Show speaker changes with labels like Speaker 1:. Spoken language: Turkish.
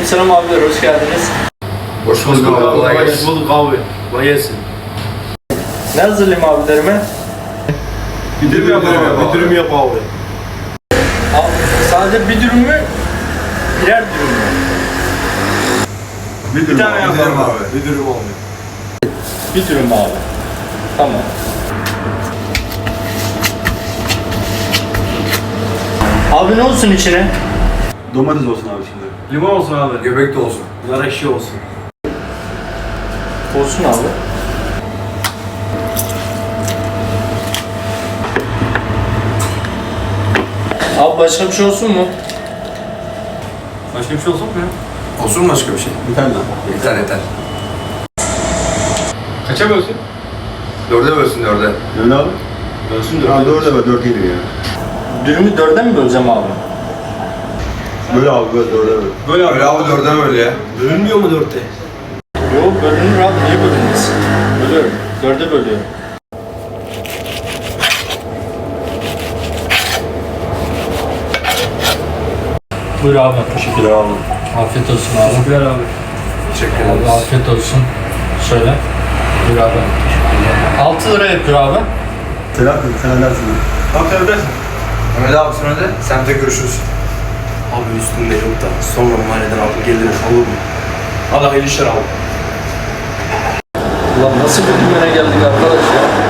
Speaker 1: Aleykümselam abiler, hoş geldiniz.
Speaker 2: Hoş bulduk abi, kolay gelsin.
Speaker 3: Hoş bulduk abi. Kolay gelsin.
Speaker 1: Ne hazırlayayım abilerime?
Speaker 3: Bir dürüm yap abi. Bir dürüm yap abi.
Speaker 1: Abi, sadece bir dürüm mü? Birer dürüm mü?
Speaker 3: Bir tane yap
Speaker 2: Bir dürüm
Speaker 3: abi.
Speaker 2: abi.
Speaker 3: Bir dürüm abi.
Speaker 1: Bir dürüm abi. Tamam. Abi ne olsun içine?
Speaker 3: Domates olsun abi şimdi. Limon olsun abi.
Speaker 2: Göbek de olsun.
Speaker 3: Nar ekşi olsun.
Speaker 1: Olsun abi. Abi başka bir şey olsun mu?
Speaker 3: Başka bir şey olsun mu ya?
Speaker 2: Olsun mu başka bir şey?
Speaker 3: Bir tane daha.
Speaker 2: Yeter yeter.
Speaker 3: Kaça bölsün?
Speaker 2: Dörde bölsün dörde.
Speaker 3: Dön abi. Bölsün dört.
Speaker 4: Ha 4'e böl, 4 iyidir ya.
Speaker 1: Dürümü dörde mi böleceğim abi?
Speaker 4: Böyle abi, böyle 4'e böl.
Speaker 3: Böyle abi.
Speaker 2: Öyle abi dörde böl ya.
Speaker 3: Bölünmüyor mu dörtte?
Speaker 1: Yok bölünür abi, niye bölünmez? Bölüyorum. Dörde bölüyorum. Buyur abi.
Speaker 4: Teşekkürler abi.
Speaker 1: Afiyet olsun abi.
Speaker 3: Teşekkürler abi.
Speaker 2: Teşekkür
Speaker 1: Abi
Speaker 2: ederiz.
Speaker 1: afiyet olsun. Şöyle. Buyur abi. 6 lira yapıyor abi.
Speaker 4: Selahattin, sen edersin ya.
Speaker 3: Abi sen ödersin.
Speaker 2: Mehmet abi sen öde. Semte görüşürüz.
Speaker 3: Abi üstünde yok da sonra mahalleden alıp gelirim olur mu? Allah hayırlı işler abi.
Speaker 1: Ulan nasıl bir dümene geldik arkadaş ya?